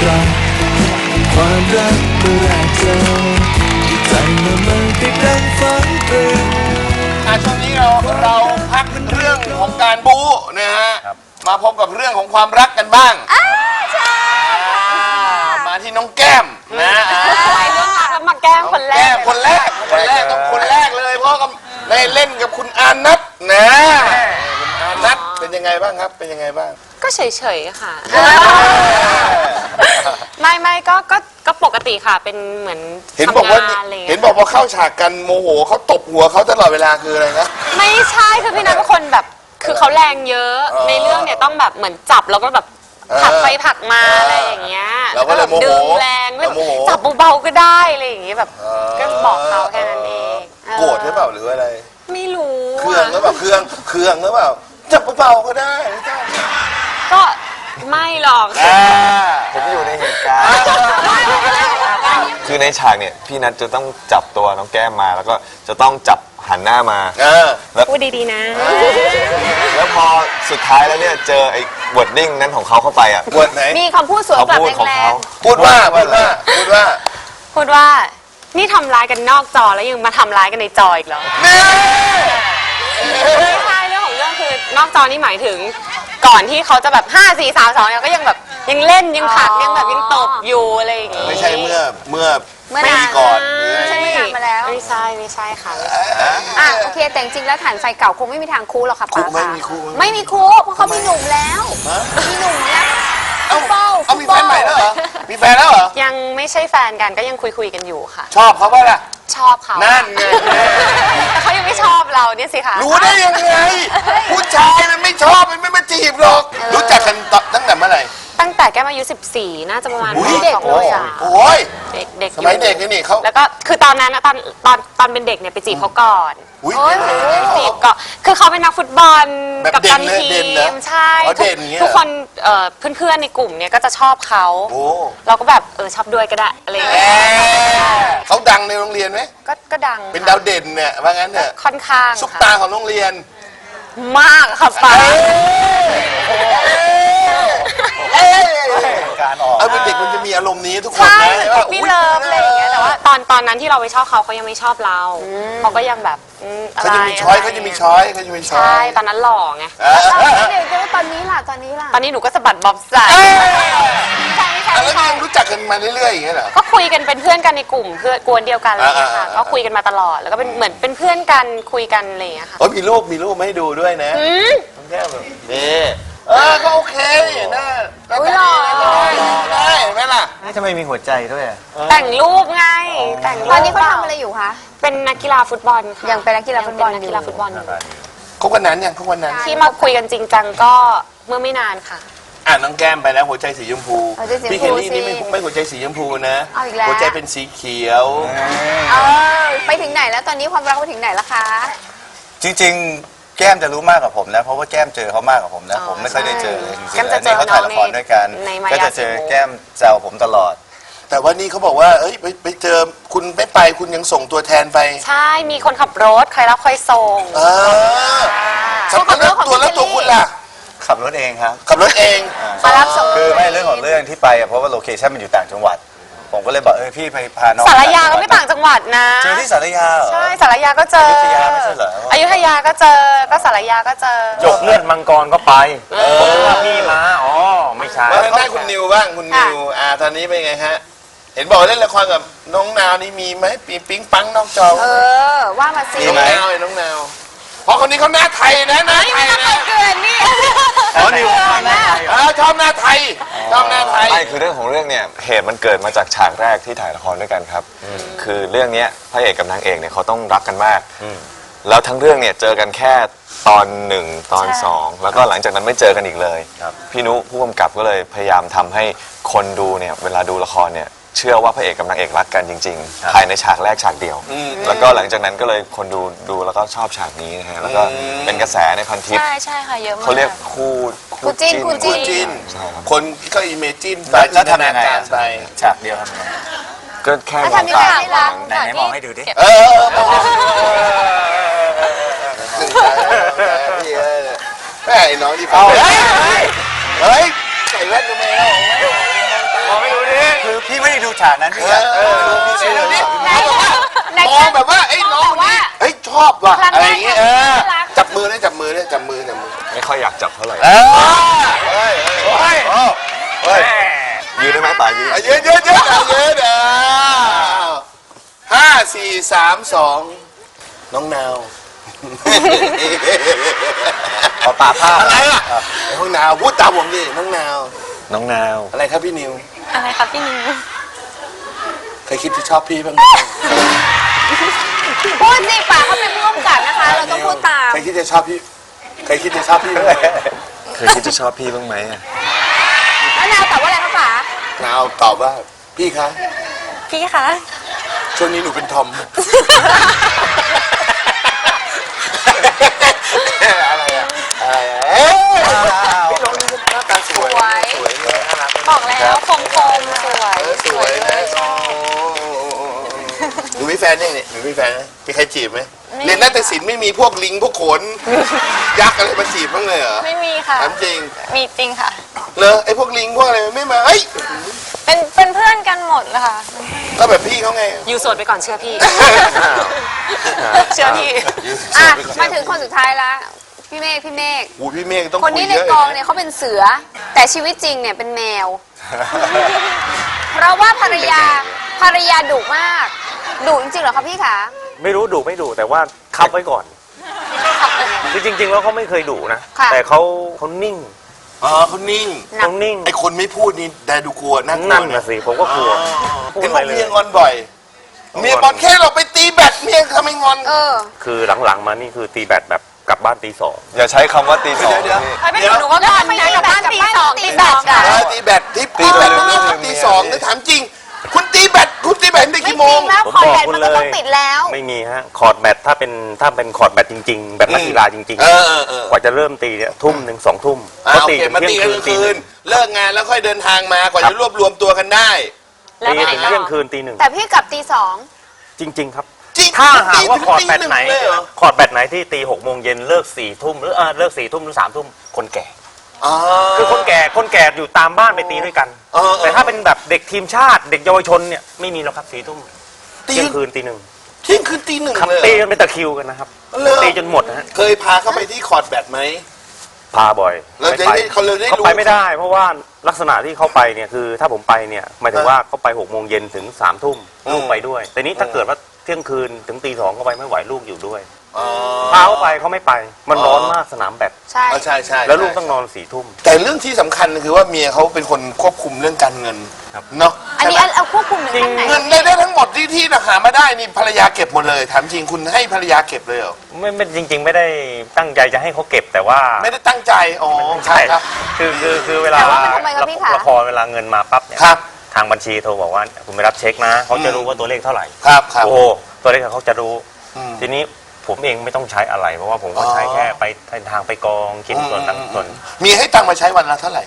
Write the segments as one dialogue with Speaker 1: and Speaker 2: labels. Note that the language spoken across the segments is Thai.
Speaker 1: รักความรักเมื่อแรกเจอใจมันติดดังฝันตรึง
Speaker 2: ช่วงนี้เราพักเรื่องของการบู๊นะฮะมาพบกับเรื่องของความรักกันบ้างมาที่น้องแก้มนะ
Speaker 3: เรื่องรักแล้วมาแก้มคนแรก
Speaker 2: คนแรกต้องคนแรกเลยเพราะกับได้เล่นกับคุณอานัทนะคุณอานัทเป็นยังไงบ้างครับเป็นยังไงบ้าง
Speaker 3: ก็เฉยๆค่ะไม่ก็ปกติค่ะเป็นเหมือน
Speaker 2: เห็นบอกว่า
Speaker 3: ทำงานอะไรอย่าง
Speaker 2: เห็
Speaker 3: เงี้
Speaker 2: น
Speaker 3: ย
Speaker 2: บอกพอเข้าฉากกันโมโหเขาตบหัวเขาตลอดเวลาคืออะไรนะ
Speaker 3: ไม่ใช่คือพี่นัทเป็นคนแบบคือเขาแรงเยอะในเรื่องเนี่ยต้องแบบเหมือนจับแล้วก็แบบผลักไปผลักมาอะไรอย่างเงี้ย
Speaker 2: เราก็เลยโมโห
Speaker 3: ดึงแรงจับเบาๆก็ได้อะไรอย่างเงี้ยแบบก็บอกเขาแค่นั้นเอง
Speaker 2: โกรธหรือเปล่าหรืออะไร
Speaker 3: ไม่รู้
Speaker 2: เครื่องหรือเปล่าเครื่องหรือเปล่าจับเบาๆก็ได้ไม่ต้อง
Speaker 3: ก็ไม่หรอก
Speaker 4: ผมอยู่ในเหตุการณ์ คือในฉากเนี่ยพี่นัทจะต้องจับตัวน้องแก้มมาแล้วก็จะต้องจับหันหน้ามาแล้ว
Speaker 3: พูดดีๆนะ
Speaker 4: แล้วพอสุดท้ายแล้วเนี่ยเจอไอ้วอร์ดดิ้งนั้นของเขาเข้าไปอ่ะ
Speaker 2: วอร์ดไหน
Speaker 3: มีคำพูดสวน
Speaker 4: เขา
Speaker 3: กลับ
Speaker 4: พูดของ
Speaker 3: แร
Speaker 4: เขา
Speaker 3: ง
Speaker 2: พูดว่า
Speaker 3: นี่ทำร้ายกันนอกจอแล้วยังมาทำร้ายกันในจออีกเหรอ ไม่ใช่เรื่องของเรื่องคือนอกจอนี่หมายถึงก่อนที่เขาจะแบบ5 4 3 2เนี่ยก็ยังแบบยังเล่นยังผักยังแบบยังตบอยู่อะไรอย่างงี้
Speaker 2: ไม่ใช่เมื่อ
Speaker 3: นาน
Speaker 2: ปีก่อน
Speaker 3: ไม่ใช่ไม่นานมาแล้วไม่ใช่ค่ะ
Speaker 5: อ่ะโอเคแต่จริงๆแล้วฐานไฟเก่าคงไม่มีทางคู่หรอกค่ะ
Speaker 2: คุ
Speaker 5: ป้า
Speaker 2: ไม่มีคู่
Speaker 5: ไม่มีคู่เพราะเขามีหนุ่มแล้วมีหนุ่มแล้ว
Speaker 2: เอามีแฟนใหม่แล้วเหรอมีแฟนแล้วเหรอ
Speaker 3: ยังไม่ใช่แฟนกันก็ยังคุยกันอยู่ค่ะ
Speaker 2: ชอบเขาป่ะล่ะ
Speaker 3: ชอบเขา
Speaker 2: นั่นไง
Speaker 3: แต่เขายังไม่ชอบเราเนี่ยสิคะ
Speaker 2: รู้ได้ยังไงผู้ชายมันไม่ชอบมันไม่มาจีบหรอกรู้จักกันตั้งแต่เมื่อไหร่
Speaker 3: ตั้งแต่แกมาอายุ14น่าจะประมาณ
Speaker 2: อุ๊ย
Speaker 3: เด็กเลยอ่ะ
Speaker 2: โอ้ย
Speaker 3: เด็ก
Speaker 2: สมัยเด็กนี่เขา
Speaker 3: แล้วก็คือตอนนั้นนะตอนเป็นเด็กเนี่ยไปจีบเขาก่อน
Speaker 2: อุ๊ย
Speaker 3: จีบก็คือเขาเป็นนักฟุตบอล
Speaker 2: แบบ
Speaker 3: กับ
Speaker 2: เด่
Speaker 3: ตั
Speaker 2: น
Speaker 3: น
Speaker 2: เลย
Speaker 3: ที
Speaker 2: เด่นเหรอ
Speaker 3: มใช่
Speaker 2: อ๋อเด่นอย่างเงี้ย
Speaker 3: ทุกคนเพื่อนๆในกลุ่มเนี่ยก็จะชอบเขา
Speaker 2: โอ้
Speaker 3: เราก็แบบชอบด้วยก็ได้อะไรอย่างเงี้ย
Speaker 2: เขาดังในโรงเรียนไหม
Speaker 3: ก็ดัง
Speaker 2: เป็น
Speaker 3: ค่ะ
Speaker 2: ดาวเด่นเนี่ยว่างั้นเนี่ย
Speaker 3: ค่อนข้าง
Speaker 2: ซุป
Speaker 3: ค่ะ
Speaker 2: ตาของโรงเรียน
Speaker 3: มากค่ะป้า
Speaker 4: การออก
Speaker 2: เอาเป็นเด็กมันจะมีอารมณ์นี้ทุกคน
Speaker 3: ใช่
Speaker 2: นะ
Speaker 3: ป๊อปปี้เลิฟอะไรอย่างเงี้ยแต่ว่าตอนนั้นที่เราไปชอบเขายังไม่ชอบเราเขาก็ยังแบบอะไร
Speaker 2: เขาจะมีช้อยเขาจะมีช้อยเขาจะมีช้อ
Speaker 3: ใช่
Speaker 2: ย
Speaker 3: ตอนนั้นหล่อไง
Speaker 5: เดี๋ยวตอนนี้ล่ะ
Speaker 3: ตอนนี้หนูก็สะบัดบ๊อบใส่
Speaker 2: แล้วยังรู้จักกันมาเรื่อยๆอย่างเงี้ยเหรอ
Speaker 3: ก็คุยกันเป็นเพื่อนกันในกลุ่มเพื่อนกวนเดียวกันอะไรอย่างเลยค่ะ
Speaker 2: อ่า
Speaker 3: ก็คุยกันมาตลอดแล้วก็เป็นเหมือนเป็นเพื่อนกันคุยกันอะไรอย่างเงี้ยค่ะ
Speaker 2: โอ้ยมีรูปมาให้ดูด้วยนะน้องแก้มแบบนี่ก็โอเคนะได้เห็นไหมล่ะ
Speaker 4: นี่ทำไมมีหัวใจด้วยอ่ะ
Speaker 3: แต่งรูปไงแต่งรูป
Speaker 5: ตอนนี้เขาทำอะไรอยู่คะ
Speaker 3: เป็นนักกีฬาฟุตบอลค่ะ
Speaker 5: ยังเป็นนักกีฬาฟุตบอลอยู่
Speaker 3: ยังเป็นนักกีฬาฟุตบอลอยู่
Speaker 2: เขาวันนั้นยังเขาวันนั้น
Speaker 3: ที่มาคุยกันจริงจังก็เมื่อไม่นานค่ะ
Speaker 2: น้องแก้มไปแล้วหัวใจสีชมพู
Speaker 5: หัวใจสีชมพู
Speaker 2: พี่เคลลี่นี่
Speaker 5: สิ
Speaker 2: ไม่หัวใจสีชมพูนะ
Speaker 5: เอาอีกแล้ว
Speaker 2: หัวใจเป็นสีเขียว
Speaker 5: ไปถึงไหนแล้วตอนนี้ความรักไปถึงไหนแล้วคะ
Speaker 4: จริงๆ แก้มจะรู้มากกว่าผมนะเพราะว่าแก้มเจอเขามากกว่าผมนะผมไม่ค่อยได้เจอเลยจริงๆ
Speaker 3: แก้มจะเจอ
Speaker 4: เขาถ่ายละครด้วยกัน
Speaker 3: ในมายา
Speaker 4: ก็จะเจอแก้มแซวผมตลอด
Speaker 2: แต่ว่านี่เขาบอกว่าเอ้ยไปเจอคุณไม่ไปคุณยังส่งตัวแทนไป
Speaker 3: ใช่มีคนขับรถคอยรับคอยส่ง
Speaker 2: แล้วตัวคุณล่ะ
Speaker 4: ขับรถเองครับ
Speaker 2: ขับรถเอง
Speaker 5: มารับส่ง
Speaker 4: คือไม่เรื่องของเรื่องที่ไปอะเพราะว่าโลเคชั่นมันอยู่ต่างจังหวัด ผมก็เลยบอกพี่ไปพาน้อง
Speaker 3: สารยาก็ไม่ต่างจังหวัดนะ
Speaker 4: เจอที่สารยาเหรอ
Speaker 3: ใช่สารยาก็เจอ
Speaker 4: อยุธยาไม่ใช่เหรอ
Speaker 3: อยุธยาก็เจอก็สารยาก็เจอ
Speaker 6: จบเลือดมังกรก็ไปผมนึกว่าพี่มาอ๋อไม่ใช่
Speaker 2: มาได้คุณนิวบ้างคุณนิวตอนนี้เป็นไงฮะเห็นบอกเล่นละครกับน้องนาวนี่มีไหมปีปิ๊งปังนอกจอ
Speaker 5: ว่ามาสิ
Speaker 2: น้องนาวน้องนาวเพราะคนนี้เขาหน้าไทยนะหน้าไทยนะ
Speaker 3: เกินนี่
Speaker 4: อ๋อนิวมาแน่
Speaker 2: ชอบหน้าไทยชอบหน้าไทย
Speaker 4: ไม่คือเรื่องของเรื่องเนี่ยเหตุมันเกิดมาจากฉากแรกที่ถ่ายละครด้วยกันครับคือเรื่องเนี้ยพระเอกกับนางเอกเนี่ยเขาต้องรักกันมากแล้วทั้งเรื่องเนี่ยเจอกันแค่ตอน1ตอน2แล้วก็หลังจากนั้นไม่เจอกันอีกเลยพี่นุผู้กำกับก็เลยพยายามทำให้คนดูเนี่ยเวลาดูละครเนี่ยเชื่อว่าพระเอกกับนางเอกรักกันจริงๆภายในฉากแรกฉากเดียวแล้วก็หลังจากนั้นก็เลยคนดูแล้วก็ชอบฉากนี้นะฮะแล้วก็เป็นกระแสในพันทิป
Speaker 3: ใช่ค่ะเยอะมาก
Speaker 4: เขาเรียกคู่
Speaker 5: คู่จิ้น
Speaker 2: จิน
Speaker 4: ใช่ครับ
Speaker 2: คนก็อิเมจิน
Speaker 4: แล้วทำยังไง
Speaker 2: ไป
Speaker 4: ฉากเดียวทำยังไงก็แค่มอง
Speaker 5: ทำยังไง
Speaker 4: ตา
Speaker 5: ให้รัก
Speaker 4: ไหนมองให้ดูดิ
Speaker 2: แม่ไอ้น้องที่ฟังเฮ้ยใส่แว่นทำไมมองไม่ดูดิ
Speaker 6: คือพี่ไม่ได้ดูฉากนั้นพี่ดูพี่เชื่อ
Speaker 2: ดูดิ
Speaker 5: ไหน
Speaker 2: มองแบบว่าไอ้น้อง
Speaker 5: แบบว่า
Speaker 2: เฮ้ยชอบว่ะ
Speaker 5: ครั้ง
Speaker 2: อะไร
Speaker 5: แร
Speaker 2: อก ย่างเงี้ย
Speaker 5: น่ารัก
Speaker 2: จับมือเลยจับมือเลยจับมือจับมือ
Speaker 4: ไม่ค่อยอยากจับเท่าไหร่
Speaker 2: เฮ้ย
Speaker 6: เฮ้ย
Speaker 4: ยืนได้ไหมป่ายืน
Speaker 2: เยอะเยอะเยอะเยอะเด้อ5 4 3 2น้องนาว
Speaker 6: ขอป่าผ้า
Speaker 2: อะไรอ่ะน้องนาวพูดตามผมดิน้องนาว
Speaker 4: น้องนาว
Speaker 2: อะไรครับพี่นิว
Speaker 3: อะไรครับพี่นิว
Speaker 2: เคยคิดที่ชอบพี่บ้างไหม
Speaker 5: พูดสิป่าเขาเป็นผู้กำกับนะคะ เราต้องพูดตาม
Speaker 2: เคยคิดจะชอบพี่เคยคิดจะชอบพี่บ้างไหม
Speaker 4: เคยคิดจะชอบพี่บ้างไหมอะ
Speaker 5: แล้วนาวตอบว่าอะไรคะป่าน
Speaker 2: าวตอบว่าพี่คะ
Speaker 3: พี่คะ
Speaker 2: ช่วงนี้หนูเป็นทอมอะไรอะอะไรอะเอ๊ะพี่น้องนี่หน้าตาสวยสวยเลยน่ารัก
Speaker 3: บอกแล้วคมสวย
Speaker 2: สวยนะหนูมีแฟนยังเนี่ยหนูมีแฟนไหมมีใครจีบไหมเรียนนาฏศิลป์ไม่มีพวกลิงพวกขนยักษ์อะไรมาจีบบ้างเลยเหรอ
Speaker 3: ไม่มีค่ะ
Speaker 2: ถามจริง
Speaker 3: มีจริงค่ะ
Speaker 2: เลอไอ้พวกลิงพวกอะไรไม่มาเอ้ย
Speaker 3: เป็นเพื่อนกันหมดเลยค่ะ
Speaker 2: ก็แบบพี่เขาไง
Speaker 3: อยู่โสดไปก่อนเชื่อพี่ เชื่อพี่
Speaker 5: อ่ะมาถึงคนสุดท้ายละพี่เมฆพี่เมฆ
Speaker 2: อูพี่เมฆต้อง
Speaker 5: คน
Speaker 2: คุย
Speaker 5: นี้ใน
Speaker 2: เยอะ
Speaker 5: กองเนี่ยเขาเป็นเสือ แต่ชีวิตจริงเนี่ยเป็นแมว เพราะว่าภรรยาดุมากดุจริงๆเหรอคะพี่คะ
Speaker 6: ไม่รู้ดุไม่ดุแต่ว่าคับไว้ก่อนคือจริง ๆ แล้วเขาไม่เคยดุนะ แต่เขานิ่ง
Speaker 2: อ๋อเขานิ่ง
Speaker 6: เขานิ่ง
Speaker 2: ไอ้คนไม่พูดนี่แต่ดูกลัวน่ากลัว
Speaker 6: นั่นนะสิผมก็กลัวพูด
Speaker 2: เห็น
Speaker 6: ไป
Speaker 2: บอก
Speaker 6: เลย
Speaker 2: เมียงอนบ่อย เมียบอลแค่เราไปตีแบดเมียทำไมงอน
Speaker 5: เออ
Speaker 6: คือหลังๆมานี่คือตีแบตแบบกลับบ้านตีสอง
Speaker 4: อย่าใช้คำว่าตีสอง
Speaker 2: เดี๋ยว
Speaker 3: ไปไม่ถึงหนูก็ก่อนนะกลับบ้านตีสอง
Speaker 5: ตีแบตอะ
Speaker 2: ตีแบดตีแบดไม่ได้ตีสองนะถามจริง คุณตีแบดใน
Speaker 5: ไม่
Speaker 2: กี่
Speaker 5: จ
Speaker 2: โม
Speaker 5: ริ
Speaker 2: ง
Speaker 5: งแล้วคอร์ดแบตมันก็ต้องปิดแล้ว
Speaker 6: ไม่มีฮะคอร์ดแบตถ้าเป็นคอร์ดแบตจริง ๆ แบบนักกีฬาจริง
Speaker 2: เออ
Speaker 6: กว่าจะเริ่มตีเนี่ยทุ่มหนึ่ง2 ทุ่ม
Speaker 2: โอ
Speaker 6: เขา
Speaker 2: เค
Speaker 6: ตีกัน
Speaker 2: มา
Speaker 6: เที่ย
Speaker 2: ตี
Speaker 6: ง
Speaker 2: กัน
Speaker 6: คืนตี
Speaker 2: คื
Speaker 6: หนึ่
Speaker 2: น
Speaker 6: ง
Speaker 2: เลิกงานแล้วค่อยเดินทางมากว่าจะรวบรวมตัวกันได้
Speaker 6: ตีกันถึงเที่ยงคืนตีหนึ่ง
Speaker 5: แต่พี่กลับตีสอง
Speaker 6: จริง ๆ ครับ
Speaker 2: จริง
Speaker 6: ถ้าหากว่าคอร์ดแบตไหน
Speaker 2: ตีเลยเหรอ
Speaker 6: คอร์ดแบตไหนที่ตี6 โมงเย็นเลิก4 ทุ่มหรือเลิก4 ทุ่มหรือ3 ทุ่มคนแก่
Speaker 2: อ๋อ
Speaker 6: คือคนแก่อยู่ตามบ้านไปตีด้วยกัน แต่ถ้าเป็นแบบเด็กทีมชาติเด็กเยาวชนเนี่ยไม่มีหรอกครับ4 ทุ่มเที่ยงคืนตีหนึ่ง
Speaker 2: เที่ยงคืนตีหนึ่ง
Speaker 6: ครับ
Speaker 2: เลย
Speaker 6: ตีกันเป็นตะคริวกันนะครับ
Speaker 2: เหรอ
Speaker 6: ตีจนหมดนะฮะ
Speaker 2: เคยพาเข้าไปที่คอร์ดแบดไหม
Speaker 6: พาบ่อย
Speaker 2: เราจะได้เขาเลยได้รู้
Speaker 6: เขาไปไม่ได้ เพราะว่าลักษณะที่เขาไปเนี่ยคือถ้าผมไปเนี่ยหมายถึงว่าเขาไป6 โมงเย็นถึง3 ทุ่มลูกไปด้วย แต่นี้ถ้าเกิดว่าเที่ยงคืนถึงตี 2เขาไปไม่ไหวลูกอยู่ด้วย
Speaker 2: อ๋อ
Speaker 6: พาเขาไปเขาไม่ไปมันร้อนมากสนามแบด
Speaker 5: ใช่
Speaker 2: ใช่ใช่
Speaker 6: แล้วลูกต้องนอน4 ทุ่ม
Speaker 2: แต่เรื่องที่สำคัญคือว่าเมียเขาเป็นคนควบคุมเรื่องการเงิน
Speaker 6: ครับ
Speaker 2: เนาะ
Speaker 5: อันนี้เอาควบคุมถึงขั้นไหน
Speaker 2: เงินได้ทั้งหมดที่หามาได้นี่ภรรยาเก็บหมดเลยถามจริงคุณให้ภรรยาเก็บเลยเหรอ
Speaker 6: ไม่จริง ๆ ไม่ได้ตั้งใจจะให้เขาเก็บแต่ว่า
Speaker 2: ไม่ได้ตั้งใจอ๋อใช่ครับ
Speaker 6: คือเวลา
Speaker 5: แต่ว่ามันทำไมครับพี่คะ
Speaker 6: ละครเวลาเงินมาปั๊บเนี่ย
Speaker 2: ครับ
Speaker 6: ทางบัญชีโทรบอกว่าคุณไปรับเช็คนะเขาจะรู้ว่าตัวเลขเท่าไหร่
Speaker 2: ครับครับ
Speaker 6: โอ้ตัวเลขเขาจะรู้
Speaker 2: อืม
Speaker 6: ทีนี้ผมเองไม่ต้องใช้อะไร เพราะว่าผมก็ใช้แค่ไปทางไปกองคิดส่วนต่างส่วน
Speaker 2: มีให้ตังค์มาใช้วันละเท่าไหร่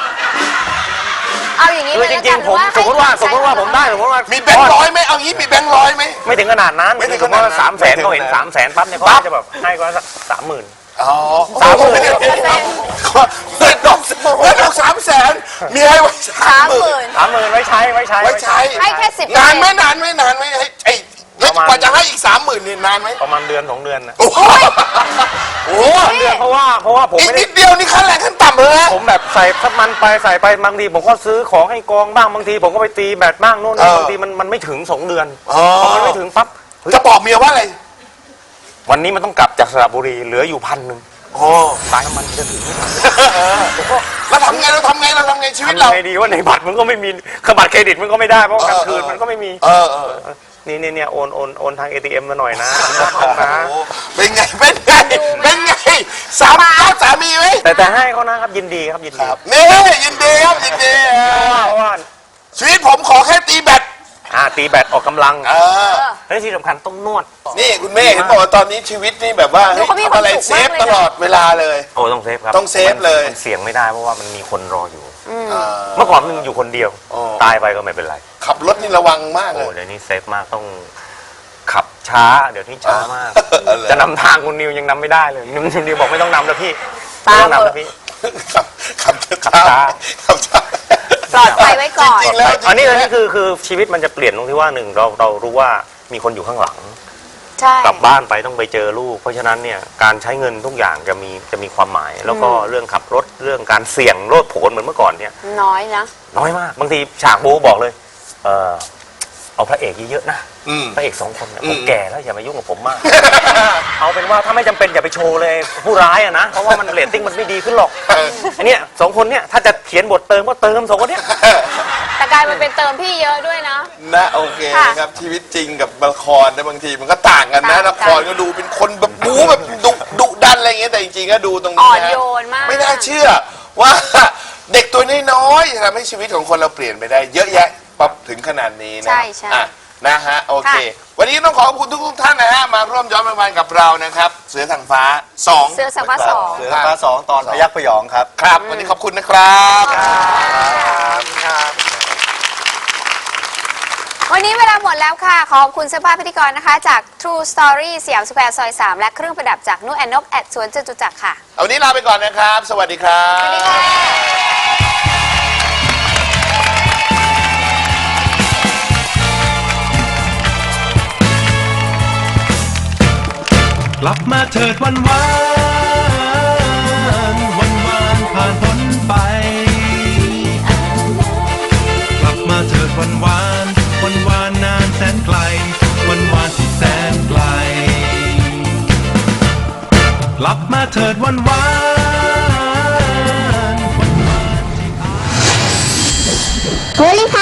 Speaker 5: เอาอย่างนี้
Speaker 6: คือ
Speaker 5: เลย
Speaker 6: จ
Speaker 5: แล้ว
Speaker 6: ริ
Speaker 5: กั
Speaker 6: ง
Speaker 5: น
Speaker 6: ๆผม
Speaker 5: ว่า
Speaker 6: สมมติว่าผมได้สมมติว่า
Speaker 2: มี
Speaker 6: มี
Speaker 2: แบงค์ร้อยไหมเอางี้มีแบงค์ร้อยไหม
Speaker 6: ไม่ถึงขนาดนั้น
Speaker 2: ไม่ถึง
Speaker 6: สมมติว่า
Speaker 2: ขนาดนั้น
Speaker 6: 300,000เขาเห็น300,000ปั๊บเนี่ยเขาก็จะแบบให้ก็สัก30,000
Speaker 2: อ๋อ
Speaker 6: 30,000
Speaker 2: เงินดอก300,000มีให้ไว้30,000
Speaker 6: 30,000ไว้ใช้
Speaker 2: ไว้ใช้
Speaker 5: ให้แค่10
Speaker 2: นานไหมให้ไอ้แล้วกว่าจะให้อีก30,000นี่นานไหม
Speaker 6: ประมาณเดือน2 เดือนนะ
Speaker 2: โอ้โหโอ้โห
Speaker 6: เดือนเพราะว่าผม
Speaker 2: อีก
Speaker 6: ไม่ได้
Speaker 2: นิดเดียวนี่ขั้นแรงขั้นต่ำเลยนะ
Speaker 6: ผมแบบใส่น้ำมันไปใส่ไปบางทีผมก็ซื้อของให้กองบ้างบางทีผมก็ไปตีแบตบ้างโน่นนี่บางทีมันไม่ถึง2 เดือน
Speaker 2: อ๋อ
Speaker 6: พอมันไม่ถึงปั๊บเฮ้ย
Speaker 2: จะบอกเมียว่าอะไร
Speaker 6: วันนี้มันต้องกลับจากสระบุรีเหลืออยู่1,000
Speaker 2: โอ้
Speaker 6: ตายน้ำมันจะถึง
Speaker 2: เราทำไงชีวิต
Speaker 6: ทำ
Speaker 2: เรา
Speaker 6: ไงดีว่าในบัตรมันก็ไม่มีบัตรเครดิตมันก็ไม่ได้เพราะกลางคืนมันก็ไม่มี
Speaker 2: เออ
Speaker 6: นี่โอนทาง ATM มาหน่อยนะนะ
Speaker 2: โอ้เป็นไงสามีไหม
Speaker 6: แต่ให้เขานะครับยินดีครับยินดี
Speaker 2: ครับนี่ยินดีครับยินดี
Speaker 6: เพราะว่า
Speaker 2: ชีวิตผมขอแค่ตีแบต
Speaker 6: ตีแบตออกกำลัง
Speaker 2: เ
Speaker 6: และที่สำคัญต้องนวด
Speaker 2: นี่คุณแม่เห็นบอกว่าตอนนี้ชีวิตนี่แบบว่าเฮ้ยทำอะไรเซฟตลอดเวลาเลย
Speaker 6: โอ้ต้องเซฟครับ
Speaker 2: ต้องเซฟเลย
Speaker 6: มันเสี่ยงไม่ได้เพราะว่ามันมีคนรออยู่
Speaker 2: อ่า
Speaker 6: เมื่อก่อนมันอยู่คนเดียว
Speaker 2: อ๋อ
Speaker 6: ตายไปก็ไม่เป็นไร
Speaker 2: ขับรถนี่ระวังมากเล
Speaker 6: โอ้
Speaker 2: ย
Speaker 6: เดี๋ยวนี้เซฟมากต้องขับช้าเดี๋ยวนี้ช้ามาก
Speaker 2: เออเหรอ
Speaker 6: จะนำทางคุณนิวยังนำไม่ได้เลยคุณนิวบอกไม่ต้องนำแล้วพี่
Speaker 5: ตาม
Speaker 6: ไม่ต้องนำแล้วพี่
Speaker 2: ขับ
Speaker 6: ขับช้า
Speaker 2: ขับช้า
Speaker 5: สลอดภัยไว้ก่อน
Speaker 2: จริงๆแล้ว
Speaker 6: อันนี้คือชีวิตมันจะเปลี่ยนตรงที่ว่าหนึ่งเรารู้ว่ามีคนอยู่ข้างหลัง
Speaker 5: ใช่
Speaker 6: กลับบ้านไปต้องไปเจอลูก เพราะฉะนั้นเนี่ยการใช้เงินทุกอย่างจะมีความหมาย แล้วก็เรื่องขับรถเรื่องการเสี่ยงโลดโผนเหมือนเมื่อก่อนเนี่ย
Speaker 5: น้อยนะ
Speaker 6: น้อยมากบางทีฉากโบบอกเลยเอาพระเอกเยอะๆนะพระเอก2 คนเนี่ยผมแก่แล้วอย่ามายุ่งกับผมมาก เอาเป็นว่าถ้าไม่จำเป็นอย่าไปโชว์เลยผู้ร้ายอะนะเพราะว่ามันเรตติ้งมันไม่ดีขึ้นหรอกอันเนี้ย2 คนเนี่ยถ้าจะเขียนบทเติมก็เติม2 คนเนี้ย
Speaker 5: แต่กลายมันเป็นเติมพี่เยอะด้วยนะ
Speaker 2: นะโอเค
Speaker 5: ค่ะ
Speaker 2: นะครับชีวิตจริงกับละครนะบางทีมันก็ต่างกันนะ
Speaker 5: ต่างกัน
Speaker 2: ละครก็ดูเป็นคนแบบบู๊แบบดุดันอะไรอย่างเงี้ยแต่จริงๆก็ดูตรง
Speaker 5: อ่
Speaker 2: นี้
Speaker 5: อน
Speaker 2: นะ
Speaker 5: โยนมาก
Speaker 2: ไม่น่าเชื่อว่า เด็กตัวน้อยๆจะทำให้ชีวิตของคนเราเปลี่ยนไปได้ เยอะแยะปั๊บถึงขนาดนี้นะ
Speaker 5: ใช่ใช่
Speaker 2: อ่ะนะฮะโอเค
Speaker 5: ค่ะ
Speaker 2: วันนี้ต้องขอบคุณทุกท่านนะฮะมาร่วมย้อนรางวัลกับเรานะครับเสือทางฟ้า2
Speaker 5: เสื้อสังฟ้าสอง
Speaker 1: เสือฟ้า2 ตอนพยักพยองครับ
Speaker 2: ครับวันนี้ขอบคุณนะครับ
Speaker 5: วันนี้เวลาหมดแล้วค่ะ ขอบคุณเสื้อผ้าพิธีกรนะคะ จาก True Story สยามสแควร์ซอย 3 และเครื่องประดับจากนุ่นแอนนกแอดสวนจตุจักรค่ะ
Speaker 2: เอาวันนี้ลาไปก่อนนะครับ สวัสดีครับ
Speaker 5: สวัสดีค่ะ
Speaker 1: กลับมาเถิดวันวานวันวานผ่านพ้นไป กลับมาเถิดวันวานวันวานนานแสนไกล วันวานที่แสนไกล กลับมาเถิดวันวานวันวานที่
Speaker 7: โพลิพ